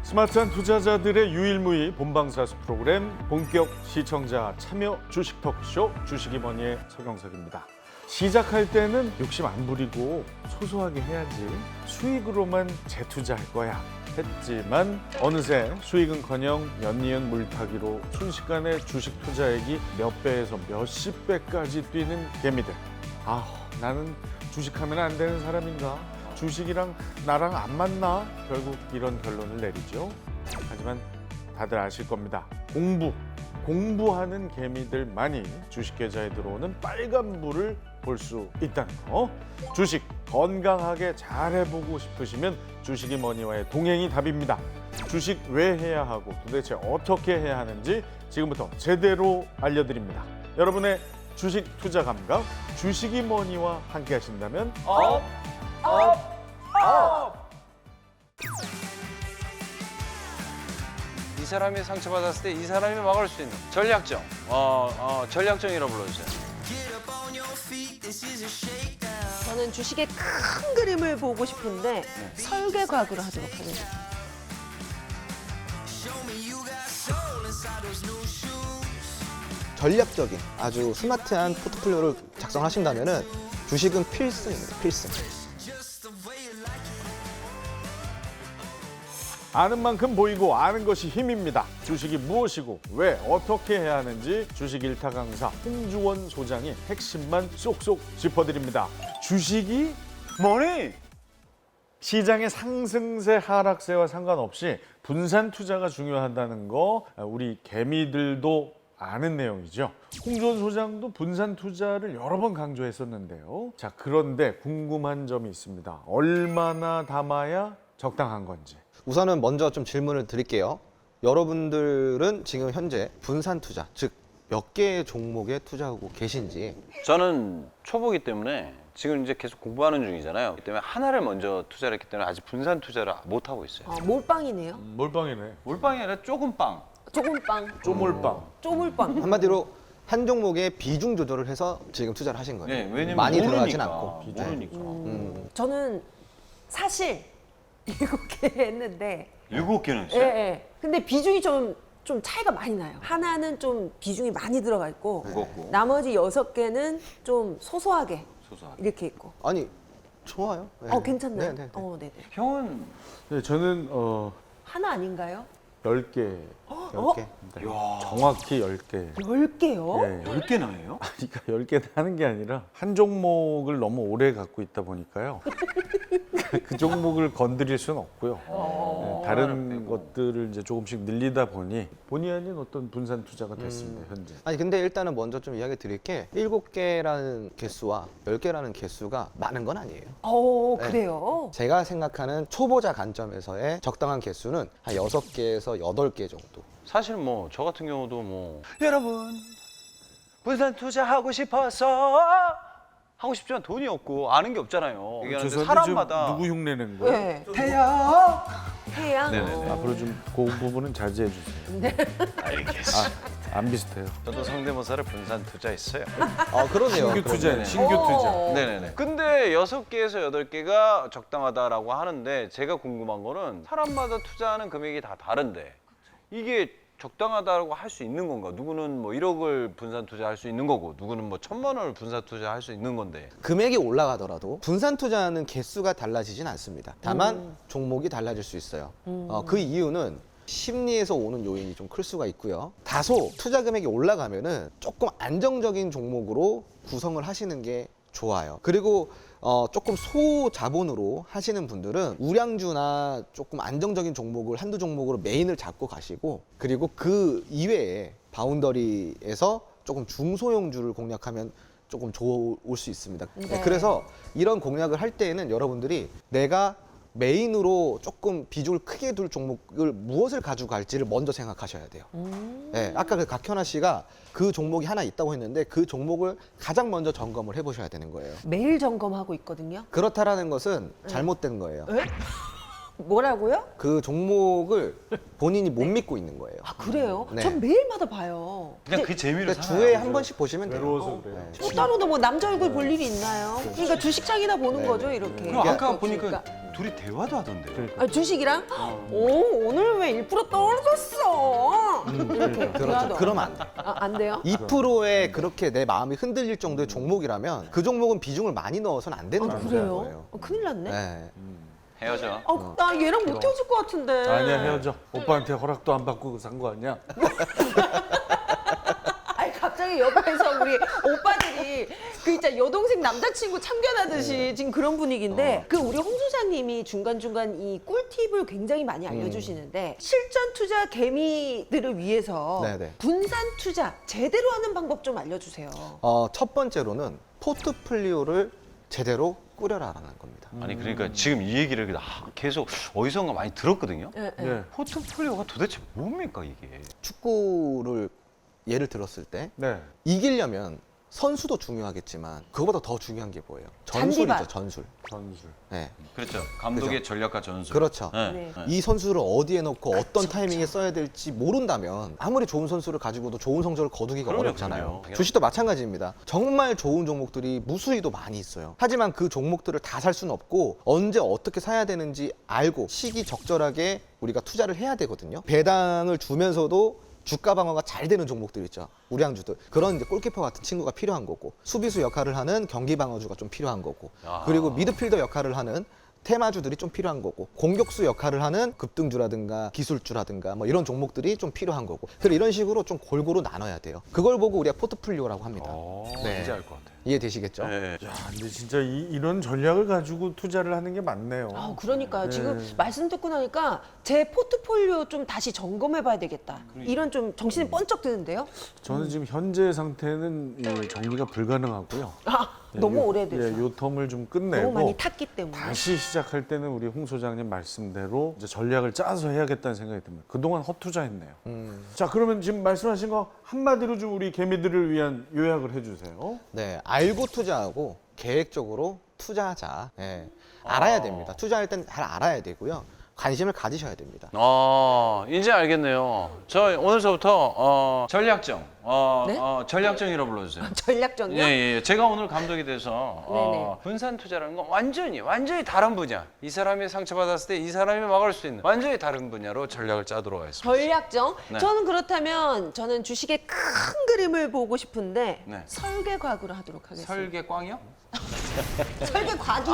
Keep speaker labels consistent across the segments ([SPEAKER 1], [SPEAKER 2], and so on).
[SPEAKER 1] 스마트한 투자자들의 유일무이 본방사수 프로그램 본격 시청자 참여 주식 토크쇼 주식이 뭐니의 서경석입니다. 시작할 때는 욕심 안 부리고 소소하게 해야지 수익으로만 재투자할 거야 했지만 어느새 수익은커녕 연이은 물타기로 순식간에 주식 투자액이 몇 배에서 몇십 배까지 뛰는 개미들. 나는 주식하면 안 되는 사람인가? 주식이랑 나랑 안 맞나? 결국 이런 결론을 내리죠. 하지만 다들 아실 겁니다. 공부하는 개미들만이 주식 계좌에 들어오는 빨간불을 볼 수 있다는 거. 주식 건강하게 잘해보고 싶으시면 주식이 뭐니와의 동행이 답입니다. 주식 왜 해야 하고 도대체 어떻게 해야 하는지 지금부터 제대로 알려드립니다. 여러분의 주식 투자 감각 주식이 뭐니와 함께 하신다면
[SPEAKER 2] 업! 이 사람이 상처받았을 때 이 사람이 막을 수 있는 전략정. 전략정이라고 불러주세요.
[SPEAKER 3] 저는 주식의 큰 그림을 보고 싶은데 설계과학으로 하도록 하겠습니다.
[SPEAKER 4] 전략적인 아주 스마트한 포트폴리오를 작성하신다면은 주식은 필승입니다. 필승.
[SPEAKER 1] 아는 만큼 보이고 아는 것이 힘입니다. 주식이 무엇이고 왜 어떻게 해야 하는지 주식 일타 강사 홍주원 소장이 핵심만 쏙쏙 짚어드립니다. 주식이 뭐니? 시장의 상승세 하락세와 상관없이 분산 투자가 중요하다는 거 우리 개미들도 아는 내용이죠. 홍주원 소장도 분산 투자를 여러 번 강조했었는데요. 자, 그런데 궁금한 점이 있습니다. 얼마나 담아야 적당한 건지.
[SPEAKER 4] 우선은 먼저 좀 질문을 드릴게요. 여러분들은 지금 현재 분산 투자, 즉 몇 개의 종목에 투자하고 계신지.
[SPEAKER 2] 저는 초보기 때문에 지금 이제 계속 공부하는 중이잖아요. 그렇기 때문에 하나를 먼저 투자를 했기 때문에 아직 분산 투자를 못 하고 있어요.
[SPEAKER 3] 몰빵이네요.
[SPEAKER 1] 몰빵이네.
[SPEAKER 2] 몰빵이 아니라 조금 빵.
[SPEAKER 3] 조금빵,
[SPEAKER 1] 쪼몰빵.
[SPEAKER 3] 쪼물빵.
[SPEAKER 4] 한마디로 한 종목에 비중 조절을 해서 지금 투자를 하신 거예요.
[SPEAKER 2] 네, 왜냐면
[SPEAKER 4] 많이
[SPEAKER 2] 모르니까,
[SPEAKER 4] 들어가진 않고.
[SPEAKER 2] 모르니까.
[SPEAKER 3] 저는 사실 7개 했는데
[SPEAKER 2] 7개는
[SPEAKER 3] 예,
[SPEAKER 2] 했어요?
[SPEAKER 3] 예. 근데 비중이 좀 차이가 많이 나요. 하나는 좀 비중이 많이 들어가 있고
[SPEAKER 2] 무겁고.
[SPEAKER 3] 나머지 6개는 좀 소소하게
[SPEAKER 2] 소소하게.
[SPEAKER 3] 이렇게 있고.
[SPEAKER 4] 아니, 좋아요. 네.
[SPEAKER 3] 괜찮나요?
[SPEAKER 4] 네, 네, 네.
[SPEAKER 3] 네네.
[SPEAKER 2] 형은
[SPEAKER 1] 네, 저는
[SPEAKER 3] 하나 아닌가요?
[SPEAKER 1] 10개.
[SPEAKER 4] 10개.
[SPEAKER 1] 정확히 10개.
[SPEAKER 3] 10개요?
[SPEAKER 1] 네.
[SPEAKER 2] 10개나 해요?
[SPEAKER 1] 그러니까 10개 하는 게 아니라 한 종목을 너무 오래 갖고 있다 보니까요. 그 종목을 건드릴 수는 없고요. 네, 다른 것들을 이제 조금씩 늘리다 보니 본의 아닌 어떤 분산 투자가 됐습니다, 현재.
[SPEAKER 4] 아니 근데 일단은 먼저 좀 이야기 드릴 게 7개라는 개수와 10개라는 개수가 많은 건 아니에요. 네.
[SPEAKER 3] 그래요?
[SPEAKER 4] 제가 생각하는 초보자 관점에서의 적당한 개수는 한 6개에서 8개 정도.
[SPEAKER 2] 사실 뭐 저 같은 경우도 뭐 여러분 분산 투자하고 싶어서 하고 싶지만 돈이 없고 아는 게 없잖아요. 얘기하는데
[SPEAKER 1] 죄송한데
[SPEAKER 2] 사람마다
[SPEAKER 1] 누구 흉내내는 거예요?
[SPEAKER 3] 네.
[SPEAKER 2] 태양
[SPEAKER 3] 태양.
[SPEAKER 2] 네네네.
[SPEAKER 1] 앞으로 좀 그 부분은 자제해 주세요.
[SPEAKER 2] 알겠어.
[SPEAKER 1] 안 비슷해요.
[SPEAKER 2] 저도 성대모사를 분산 투자했어요.
[SPEAKER 4] 그러네요.
[SPEAKER 1] 신규 투자예요, 신규 투자.
[SPEAKER 2] 네네네. 근데 6개에서 8개가 적당하다라고 하는데 제가 궁금한 거는 사람마다 투자하는 금액이 다 다른데 이게 적당하다고 할 수 있는 건가? 누구는 뭐 1억을 분산 투자할 수 있는 거고 누구는 뭐 1,000만 원을 분산 투자할 수 있는 건데
[SPEAKER 4] 금액이 올라가더라도 분산 투자하는 개수가 달라지진 않습니다. 다만 종목이 달라질 수 있어요. 그 이유는 심리에서 오는 요인이 좀 클 수가 있고요. 다소 투자 금액이 올라가면은 조금 안정적인 종목으로 구성을 하시는 게 좋아요. 그리고 조금 소자본으로 하시는 분들은 우량주나 조금 안정적인 종목을 한두 종목으로 메인을 잡고 가시고 그리고 그 이외에 바운더리에서 조금 중소형주를 공략하면 조금 좋을 수 있습니다.
[SPEAKER 3] 네.
[SPEAKER 4] 그래서 이런 공략을 할 때에는 여러분들이 내가 메인으로 조금 비중을 크게 둘 종목을 무엇을 가지고 갈지를 먼저 생각하셔야 돼요. 네, 아까 그 각현아 씨가 그 종목이 하나 있다고 했는데 그 종목을 가장 먼저 점검을 해보셔야 되는 거예요.
[SPEAKER 3] 매일 점검하고 있거든요.
[SPEAKER 4] 그렇다라는 것은 잘못된 거예요.
[SPEAKER 3] 뭐라고요?
[SPEAKER 4] 그 종목을 본인이 못 믿고 있는 거예요.
[SPEAKER 3] 그래요?
[SPEAKER 4] 네.
[SPEAKER 3] 전 매일마다 봐요.
[SPEAKER 2] 그냥 그 재미로
[SPEAKER 4] 그러니까 주에 한 번씩 보시면 돼요.
[SPEAKER 1] 외로워서 그래요.
[SPEAKER 3] 뭐 따로도 뭐 남자 얼굴 볼 일이 있나요? 그러니까 주식장이나 보는
[SPEAKER 4] 네,
[SPEAKER 3] 거죠,
[SPEAKER 4] 네.
[SPEAKER 3] 이렇게.
[SPEAKER 2] 그럼 아까
[SPEAKER 3] 그러니까.
[SPEAKER 2] 보니까 둘이 대화도 하던데요.
[SPEAKER 3] 주식이랑? 오, 오늘 주식하면 1% 떨어졌어. 이렇게
[SPEAKER 4] 그렇죠.
[SPEAKER 3] 대화도.
[SPEAKER 4] 그러면 안 돼.
[SPEAKER 3] 안 돼요?
[SPEAKER 4] 2%에 그렇게 내 마음이 흔들릴 정도의 종목이라면 그 종목은 비중을 많이 넣어서는 안 되는 종목인
[SPEAKER 3] 그래요?
[SPEAKER 4] 거예요.
[SPEAKER 3] 큰일 났네.
[SPEAKER 4] 네.
[SPEAKER 2] 헤어져.
[SPEAKER 3] 나 얘랑 못 헤어질 것 같은데.
[SPEAKER 1] 아니야, 헤어져. 오빠한테 허락도 안 받고 산 거 아니야?
[SPEAKER 3] 아니 갑자기 옆에서 우리 오빠들이 그 진짜 여동생 남자친구 참견하듯이 지금 그런 분위기인데 그 우리 홍 소장님이 중간중간 이 꿀팁을 굉장히 많이 알려주시는데 실전 투자 개미들을 위해서
[SPEAKER 4] 네네.
[SPEAKER 3] 분산 투자 제대로 하는 방법 좀 알려주세요.
[SPEAKER 4] 첫 번째로는 포트폴리오를 제대로 꾸려라라는 겁니다.
[SPEAKER 2] 아니 그러니까 지금 이 얘기를 계속 어디선가 많이 들었거든요.
[SPEAKER 3] 예, 예.
[SPEAKER 1] 네.
[SPEAKER 2] 포트폴리오가 도대체 뭡니까 이게?
[SPEAKER 4] 축구를 예를 들었을 때
[SPEAKER 1] 네.
[SPEAKER 4] 이기려면 선수도 중요하겠지만 그거보다 더 중요한 게 뭐예요? 전술이죠,
[SPEAKER 3] 잔디밭.
[SPEAKER 4] 전술.
[SPEAKER 1] 전술.
[SPEAKER 4] 네.
[SPEAKER 2] 그렇죠. 감독의 전략과 전술.
[SPEAKER 4] 그렇죠.
[SPEAKER 2] 네.
[SPEAKER 3] 네.
[SPEAKER 2] 네.
[SPEAKER 4] 이 선수를 어디에 넣고 어떤 타이밍에 써야 될지 모른다면 아무리 좋은 선수를 가지고도 좋은 성적을 거두기가
[SPEAKER 2] 그럼요,
[SPEAKER 4] 어렵잖아요.
[SPEAKER 2] 그럼요.
[SPEAKER 4] 주식도 마찬가지입니다. 정말 좋은 종목들이 무수히도 많이 있어요. 하지만 그 종목들을 다 살 수는 없고 언제 어떻게 사야 되는지 알고 시기 적절하게 우리가 투자를 해야 되거든요. 배당을 주면서도 주가 방어가 잘 되는 종목들 있죠. 우량주들. 그런 이제 골키퍼 같은 친구가 필요한 거고 수비수 역할을 하는 경기 방어주가 좀 필요한 거고
[SPEAKER 2] 아.
[SPEAKER 4] 그리고 미드필더 역할을 하는 테마주들이 좀 필요한 거고 공격수 역할을 하는 급등주라든가 기술주라든가 뭐 이런 종목들이 좀 필요한 거고 그래서 이런 식으로 좀 골고루 나눠야 돼요. 그걸 보고 우리가 포트폴리오라고 합니다. 네.
[SPEAKER 2] 이제 알 것 같아.
[SPEAKER 4] 이해되시겠죠?
[SPEAKER 2] 네.
[SPEAKER 1] 야, 근데 진짜 이런 전략을 가지고 투자를 하는 게 맞네요.
[SPEAKER 3] 그러니까요.
[SPEAKER 1] 네.
[SPEAKER 3] 지금 말씀 듣고 나니까 제 포트폴리오 좀 다시 점검해봐야 되겠다. 이런 좀 정신이 번쩍 드는데요.
[SPEAKER 1] 저는 지금 현재 상태는 이 정리가 불가능하고요.
[SPEAKER 3] 너무
[SPEAKER 1] 요-
[SPEAKER 3] 오래돼서.
[SPEAKER 1] 예, 요 텀을 좀
[SPEAKER 3] 너무
[SPEAKER 1] 끝내고
[SPEAKER 3] 많이 탔기 때문에.
[SPEAKER 1] 다시 시작할 때는 우리 홍 소장님 말씀대로 이제 전략을 짜서 해야겠다는 생각이 듭니다. 그동안 헛투자했네요. 자, 그러면 지금 말씀하신 거 한마디로 좀 우리 개미들을 위한 요약을 해주세요.
[SPEAKER 4] 네, 알고 투자하고 계획적으로 투자하자. 네, 알아야 됩니다. 투자할 땐 잘 알아야 되고요. 관심을 가지셔야 됩니다.
[SPEAKER 2] 이제 알겠네요. 저 오늘서부터 전략정,
[SPEAKER 3] 네?
[SPEAKER 2] 전략정이라고 불러주세요.
[SPEAKER 3] 전략적이요?
[SPEAKER 2] 예. 제가 오늘 감독이 돼서
[SPEAKER 3] 네네.
[SPEAKER 2] 분산 투자라는 건 완전히 다른 분야. 이 사람이 상처받았을 때 이 사람이 막을 수 있는 완전히 다른 분야로 전략을 짜도록 하겠습니다.
[SPEAKER 3] 전략정?
[SPEAKER 2] 네.
[SPEAKER 3] 저는 그렇다면 저는 주식의 큰 그림을 보고 싶은데
[SPEAKER 2] 네.
[SPEAKER 3] 설계과학으로 하도록 하겠습니다.
[SPEAKER 2] 설계광이요?
[SPEAKER 3] 설계과학이요.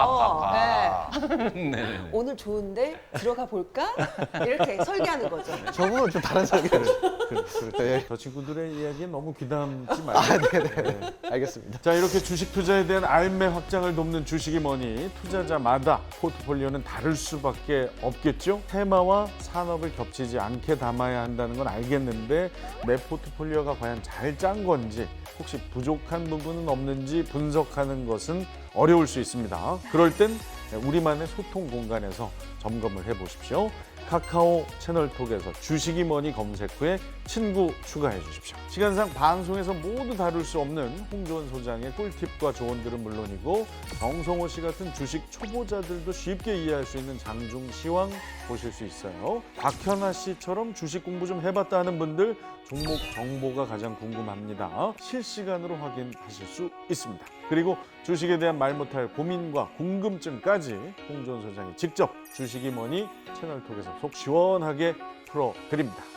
[SPEAKER 2] 네네.
[SPEAKER 3] 오늘 좋은데 들어가 볼까? 이렇게 설계하는 거죠.
[SPEAKER 4] 저분은 좀 다른 설계를. 네.
[SPEAKER 1] 저 친구들의 이야기에 너무 귀담지 말고.
[SPEAKER 4] 네네. 알겠습니다.
[SPEAKER 1] 자, 이렇게 주식 투자에 대한 알매 확장을 돕는 주식이 뭐니 투자자마다 포트폴리오는 다를 수밖에 없겠죠. 테마와 산업을 겹치지 않게 담아야 한다는 건 알겠는데 내 포트폴리오가 과연 잘 짠 건지 혹시 부족한 부분은 없는지 분석하는 것은 어려울 수 있습니다. 그럴 땐 우리만의 소통 공간에서 점검을 해보십시오. 카카오 채널톡에서 주식이 뭐니 검색 후에 친구 추가해 주십시오. 시간상 방송에서 모두 다룰 수 없는 홍조원 소장의 꿀팁과 조언들은 물론이고 정성호 씨 같은 주식 초보자들도 쉽게 이해할 수 있는 장중 시황 보실 수 있어요. 박현아 씨처럼 주식 공부 좀 해봤다 하는 분들 종목 정보가 가장 궁금합니다. 실시간으로 확인하실 수 있습니다. 그리고 주식에 대한 말 못할 고민과 궁금증까지 홍조원 소장이 직접 주식이 뭐니 채널톡에서 속 시원하게 풀어드립니다.